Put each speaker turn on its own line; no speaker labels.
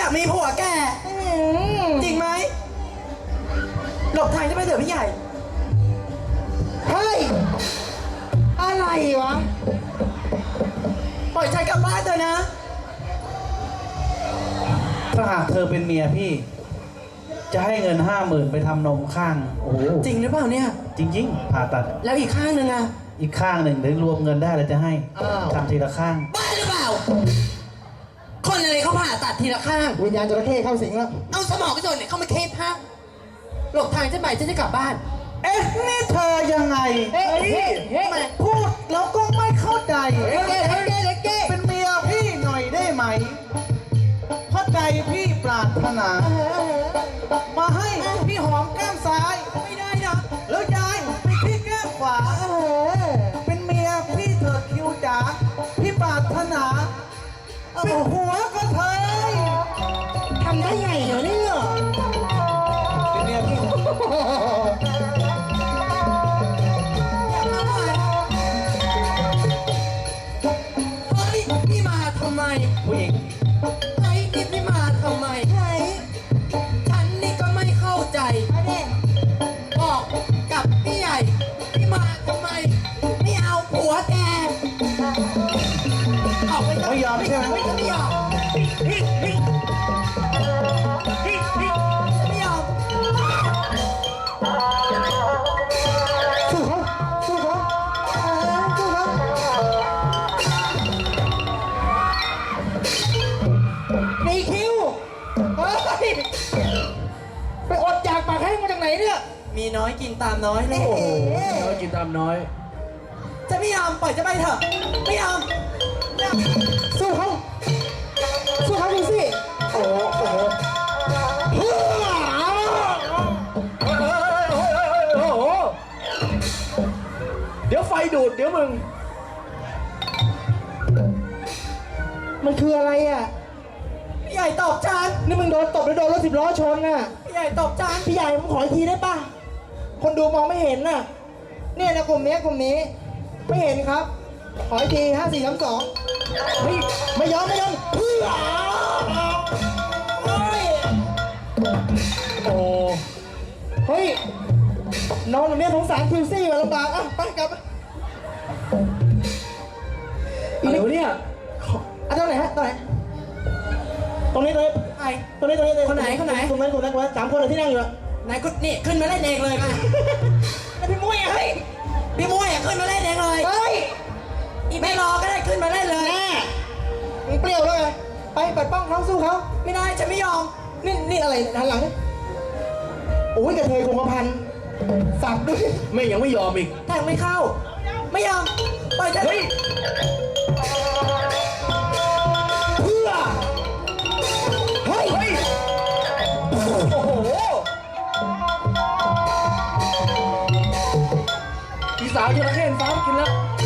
ากมีผัวแกจริงไหมหลบทางจะไปเถอะพี่ใหญ่
เฮ้ยอะไรวะ
ปล่อยฉันกลับบ้านเถอะนะ
ถ้าหากเธอเป็นเมียพี่จะให้เงิน50,000ไปทำนมข้างโอ้โห
จริงหรือเปล่าเนี่ย
จริงๆผ่าตัด
แล้วอีกข้างนึงอะ
อีกข้างหนึ่งเดี๋ยวรวมเงินได้แล้วจะให้ทำทีละข้าง
บ้าหรือเปล่าคนอะไรเขาผ่าตัดทีละข้าง
วิญญาณจระเข้เข้าสิงแล้ว
เอาสมองกระโจนเนี่ยเขามาเคสฮะหลบทางฉันไปฉันจะกลับบ้าน
เอ๊ะนี่เธอยังไงพูดแล้วก็ไม่เข้าใจเป็นเมียพี่หน่อยได้ไหมเพราะใจพี่ปรารถนามาให้พี่หอมแก้มซ้าย
ไม่ได้นะ
แล้วยายไปที่แก้มขวาเป็นเมียพี่เถิดคิวจ๋าพี่ปรารถนาเป็นหัวก็เธอ
ทำได้ไงเหรอเนี่ย
เป็นเมียพี่
พี่มาทำไม
ผู้หญิง
ไอ้พี่มาทำไมฉันนี่ก็ไม่เข้าใจบอกกับพี่ใหญ่พี่มาทำไมไม่เอาผัวแกออกไป
ไม่ยอมใช่ไหม
ไม่ยอมไม่ยอม
สู้เขาสู้เขาสู้เขาหนีคิวเฮ้ยไปอดจากปากให้มาจากไหนเนี่ย
มีน้อยกินตามน้อยเลย
โอ้โหน้อยกินตามน้อย
จะไม่ยอมปล่อยจะไปเถอะไม่ยอม
สู้เขาสู้เขาดูสิโอ้โห
เดี๋ยวไฟดูดเดี๋ยวมึง
มันคืออะไรอ่ะ
พี่ใหญ่ตบจาน
นี่มึงโดนตบหรือโดนรถ10 ล้อชนน่ะ
พี่ใหญ่ตบจาน
พี่ใหญ่ผมขออีกทีได้ป่ะคนดูมองไม่เห็นน่ะเนี่ยนะกลุ่มนี้ไม่เห็นครับขออีกที5 4 3 2เฮ้ยไม่ยอมเพื่อ
โอ้
เฮ้ยน้องหนูเนี่ยสงสารคิวซี่มาลำบากอ่ะไปกลับ
อะไรวะเนี่ย
ตรงไหนฮะตรงไหนตรงนี้
ไอ้
ตรงนี้
คนไหน
ตรงนั้น3 คนเลยที่นั่งอยู่
ไหนคุณนี่ขึ้นมาเล่นเองเลยมา
แล้วพี่มุ้ยเฮ้ย
พี่มุ้ยขึ้นมาเล่นเองเลย
เฮ้ย
อีไม่รอก็ได้ขึ้นมาเล่นเลย
แน่มึงเปรี้ยวเลยไปเปิดป้องเขาสู้เขา
ไม่ได้ฉันไม่ยอม
นี่อะไรหันหลังนี่โอ้ยกระเทยคงกระพันสับด้วย
ไม่ยังไม่ยอมอีก
แทงไม่เข้าไม่ยอมปล่อยฉัน
เฮ้ย
เพื่อเฮ้ย
โอ้โหพี่สาวจระเข้ฟ้ากินแล้ว